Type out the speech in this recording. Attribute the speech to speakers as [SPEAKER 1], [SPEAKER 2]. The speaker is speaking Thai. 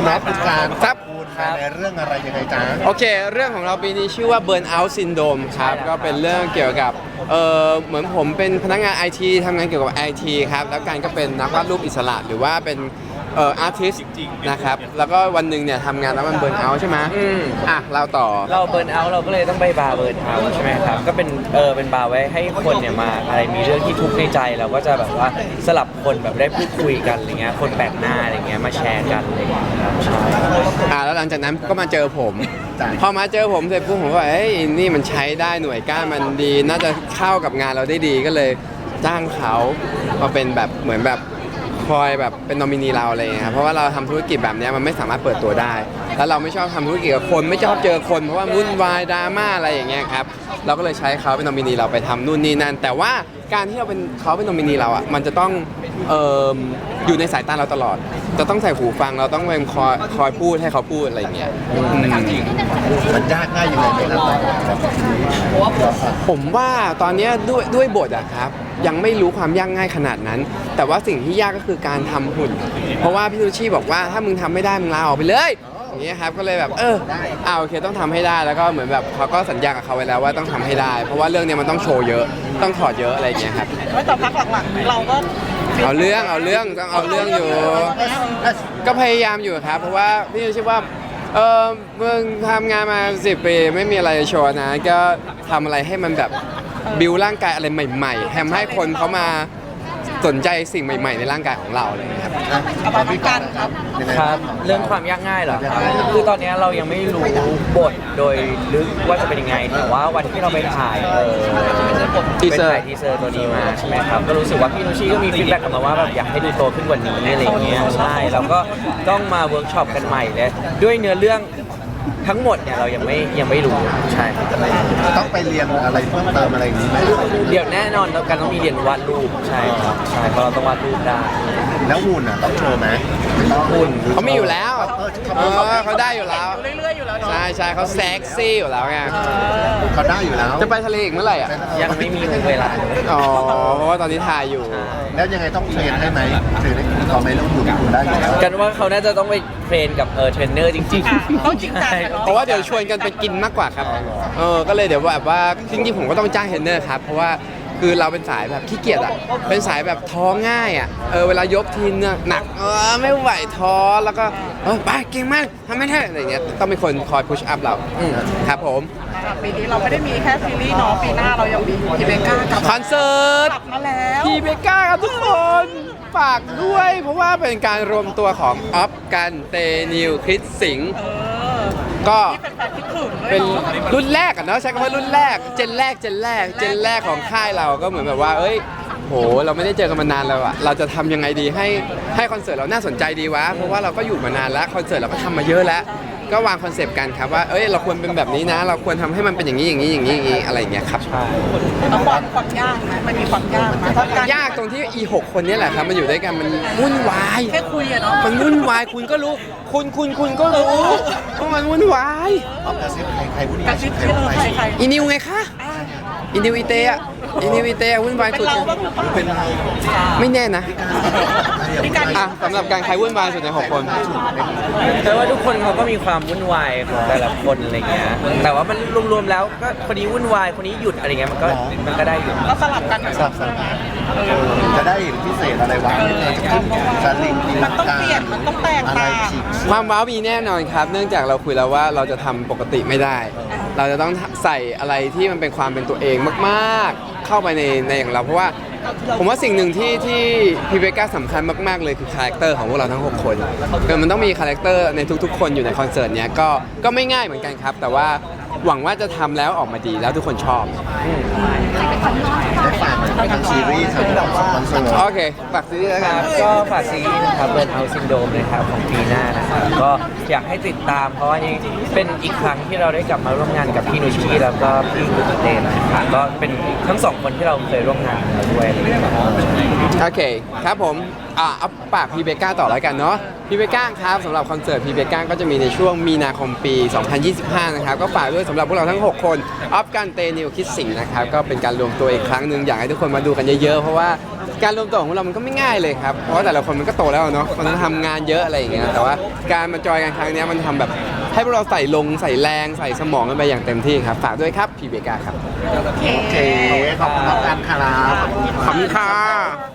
[SPEAKER 1] น็อตเป็นการ
[SPEAKER 2] ครับ
[SPEAKER 1] พูดในเรื่องอะไรยังไงจ๊ะ
[SPEAKER 2] โอเคเรื่องของเราปีนี้ชื่อว่า Burnout Syndrome ครับก็เป็นเรื่องเกี่ยวกับเหมือนผมเป็นพนักงาน IT ทำงานเกี่ยวกับ IT ครับแล้วการก็เป็นนักวาดรูปอิสระหรือว่าเป็นอาร์ติสต์นะครับแล้วก็วันหนึ่งเนี่ยทำงานแล้วมันเบิร์นเอาท์ใช่ไหมเราต่อ
[SPEAKER 3] เราเบิร์นเอาท์เราก็เลยต้องไปบาร์เบิร์นเอาท์ใช่ไหมครับก็เป็นเป็นบาร์ไว้ให้คนเนี่ยมาอะไรมีเรื่องที่ทุกข์ในใจเราก็จะแบบว่าสลับคนแบบได้พูดคุยกันอะไรเงี้ยคนแปลกหน้าอะไรเงี้ยมาแชร์กันอะไรเงี้ยครับใช่
[SPEAKER 2] แล้วหลังจากนั้นก็มาเจอผมพอมาเจอผมเสร็จปุ๊บผมก็เอ้ยนี่มันใช้ได้หน่วยก้านมันดีน่าจะเข้ากับงานเราได้ดีก็เลยจ้างเขามาเป็นแบบเหมือนแบบคอยแบบเป็นนอมินีเราอะไรอย่างเงี้ยครับเพราะว่าเราทำธุรกิจแบบนี้มันไม่สามารถเปิดตัวได้แล้วเราไม่ชอบทำธุรกิจกับคนไม่ชอบเจอคนเพราะว่าวุ่นวายดราม่าอะไรอย่างเงี้ยครับเราก็เลยใช้เขาเป็นนอมินีเราไปทำนู่นนี่นั่นแต่ว่าการที่เราเป็นเขาเป็นนอมินีเราอ่ะมันจะต้องอยู่ในสายตาเราตลอดจะต้องใส่หูฟังเราต้องเป็นคอยพูดให้เขาพูดอะไรอย่างเงี้ย
[SPEAKER 1] มันยากง่ายยังไงไหมครับ
[SPEAKER 2] ผมว่าตอนนี้ด้วยบทอะครับยังไม่รู้ความยากง่ายขนาดนั้น แต่ว่าสิ่งที่ยากก็คือการทำหุ่นเพราะว่าพี่ซูชิบอกว่าถ้ามึงทำไม่ได้มึงลาออกไปเลยอย่างเงี้ยครับก็เลยแบบโอเคต้องทำให้ได้แล้วก็เหมือนแบบเขาก็สัญญากับเขาไว้แล้วว่าต้องทำให้ได้เพราะว่าเรื่องนี้มันต้องโชว์เยอะต้องถอดเยอะอะไรอย่างเงี้ยครับ
[SPEAKER 4] แต่พักหลังๆเราก็
[SPEAKER 2] เอาเรื่องต้องเอาเรื่องอยู่ก็พยายามอยู่ครับเพราะว่าพี่ซูชิว่ามึงทำงานมา10 ปีไม่มีอะไรโชว์นะก็ทำอะไรให้มันแบบบิวร่างกายอะไรใหม่ๆทำให้คนเขามาสนใจสิ่งใหม่ๆในร่างกายของเราเลยครับ
[SPEAKER 4] เอาไปกันครับ
[SPEAKER 3] ครับเรื่องความยากง่ายเหรอครับคือตอนนี้เรายังไม่รู้บทโดยลึกว่าจะเป็นยังไงแต่ว่าวันที่เราไปถ่าย
[SPEAKER 2] ทีเซอร์
[SPEAKER 3] ตัวนี้มาใช่ไหมครับก็รู้สึกว่าพี่นุชชีก็มีฟีดแบ็กกลับมาว่าแบบอยากให้ดูโตขึ้นกว่านี้อะไรอย่างเงี้ยใช่เราก็ต้องมาเวิร์กช็อปกันใหม่เลยด้วยเนื้อเรื่องทั้งหมดเนี่ยเรายังไม่รู้ใช่
[SPEAKER 1] ต้องไปเรียนอะไรเพิ่มเติมอะไรอย่างนี้ไหม
[SPEAKER 3] เดี๋ยวแน่นอนแล้วกันต้องมีเรียนวาดรูปใช่ครับใช่เพราะเราต้องวาดรูปได้
[SPEAKER 1] แล้วหุ่นต้องโชว์ไหม
[SPEAKER 3] หุ่น
[SPEAKER 2] เขามีอยู่แล้วเขาได้อยู่แล้ว
[SPEAKER 4] เรื่อยๆอยู่แล้ว
[SPEAKER 2] ใช่เขาเซ็กซี่อยู่แล้วไง
[SPEAKER 1] เขาได้อยู่แล้ว
[SPEAKER 2] จะไปทะเลอีกเมื่อไหร่อ่ะ
[SPEAKER 3] ยังไม่มีเวลา
[SPEAKER 2] เพราะว่าตอนนี้ถ่ายอยู่
[SPEAKER 1] แล้วยังไงต้องเทรนให้ไหมถึงเขาไม่ต้องหุ่นได้อยู่แล้ว
[SPEAKER 3] กันว่าเขาน่าจะต้องไปเทรนกับเทรนเนอร์จริง
[SPEAKER 4] ๆต้องจริงจัง
[SPEAKER 2] เพราะว่าเดี๋ยวชวนกันไปกินมากกว่าครับก็เลยเดี๋ยวแบบว่าจริงๆผมก็ต้องจ้างเทรนเนอร์ครับเพราะว่าคือเราเป็นสายแบบขี้เกียจอ่ะเป็นสายแบบท้อง่ายอ่ะเวลายกทีเนี่ยหนักไม่ไหวท้อแล้วก็ไปเก่งมากทำไม่ได้อะไรเงี้ยต้องมีคนคอยพุชอัพเราครับผม
[SPEAKER 4] ปีนี้เราไม่ได้มีแค่ซีรีส์เนาะปีหน้าเรายังมีพีเบก้ากับ
[SPEAKER 2] คอนเสิร์ต
[SPEAKER 4] กลับมาแล้ว
[SPEAKER 2] พีเบก้าครับทุกคนฝากด้วยเพราะว่าเป็นการรวมตัวของออฟกันเตนิวคริสสิงห์ก็เป็นรุ่นแรกอะเนาะใช้คำว่ารุ่นแรกเจนแรกของค่ายเราก็เหมือนแบบว่าโหเราไม่ได้เจอกันมานานแล้วอะเราจะทำยังไงดีให้คอนเสิร์ตเราน่าสนใจดีวะเพราะว่าเราก็อยู่มานานแล้วคอนเสิร์ตเราก็ทำมาเยอะแล้วก็วางคอนเซปต์กันครับว่าเราควรเป็นแบบนี้นะเราควรทำให้มันเป็นอย่างนี้อะไรอย่างเงี้ยครับ
[SPEAKER 4] แล้วความยากไหมมันมีความยากไหม
[SPEAKER 2] ยากตรงที่6 คนนี้แหละครับมันอยู่ด้วยกันมันวุ่นวาย
[SPEAKER 4] แค่คุยอะเนาะ
[SPEAKER 2] มันวุ่นวายคุณก็รู้คุณก็รู้ว่ามันวุ่นวาย
[SPEAKER 1] กระซิบใครวุ่นวาย
[SPEAKER 4] ใคร
[SPEAKER 2] อีนิวไงคะอีนิวอีเตะวุ่นวายสุด
[SPEAKER 1] เป็น
[SPEAKER 2] ไม่แน่นะสำหรับการใครวุ่นวายสุดใน6 คน
[SPEAKER 3] แต่ว่าทุกคนเขาก็มีความวุ่นวายของแต่ละคนอะไรเงี้ยแต่ว่ามันรวมๆแล้วก็คนนี้วุ่นวายคนนี้หยุดอะไรเงี้ยมันก็ได้อยู่
[SPEAKER 4] ก็สลับกัน
[SPEAKER 1] จะได้พิเศษอะไรวะจะลิง
[SPEAKER 4] มันต้องเปลี่ยนมันต้องแตกต่าง
[SPEAKER 2] ความว้าวมีแน่นอนครับเนื่องจากเราคุยแล้วว่าเราจะทำปกติไม่ได้เราจะต้องใส่อะไรที่มันเป็นความเป็นตัวเองมากๆเข้าไปในอย่างเราเพราะว่าผมว่าสิ่งหนึ่งที่พีเบก้าสำคัญมากๆเลยคือคาแรคเตอร์ของพวกเราทั้ง6 คนมันต้องมีคาแรคเตอร์ในทุกๆคนอยู่ในคอนเสิร์ตเนี้ยก็ไม่ง่ายเหมือนกันครับแต่ว่าหวังว่าจะทำแล้วออกมาดีแล้วทุกคนชอบ
[SPEAKER 1] ได้ฝากทางซีรีส์ทั้งสปอนเซอร์
[SPEAKER 2] โอเคฝากซีรีส์แล้วกัน
[SPEAKER 3] ก็ฝากซีรีส์นะครับเบิร์นเอาท์ซินโดรมเลยครับของปีหน้านะครับก็อยากให้ติดตามเพราะว่านี่เป็นอีกครั้งที่เราได้กลับมาร่วมงานกับพี่นุชชีแล้วก็พี่กุติเต้นะครับก็เป็นทั้ง2 คนที่เราเคยร่วมงานกันด้วย
[SPEAKER 2] โอเคครับผมเอาปากพีเบก้าต่อแล้วกันเนาะพีเบก้าครับสำหรับคอนเสิร์ตพีเบก้าก็จะมีในช่วงมีนาคมปี 2025 นะครับก็ฝากด้วยสำหรับพวกเราทั้ง 6 คนออฟกันเตนิวคิดสิงห์นะครับก็เป็นการรวมตัวอีกครั้งหนึ่งอยากให้ทุกคนมาดูกันเยอะๆเพราะว่าการรวมตัวของเรามันก็ไม่ง่ายเลยครับเพราะว่าแต่ละคนมันก็โตแล้วเนาะมันต้องทำงานเยอะอะไรอย่างเงี้ยแต่ว่าการมาจอยกันครั้งนี้มันทำแบบให้พวกเราใส่แรงใส่สมองกันไปอย่างเต็มที่ครับฝากด้วยครับพีเบก้าครับ
[SPEAKER 1] โอเคขอบคุณมากครับ
[SPEAKER 2] ขอบคุณค่ะ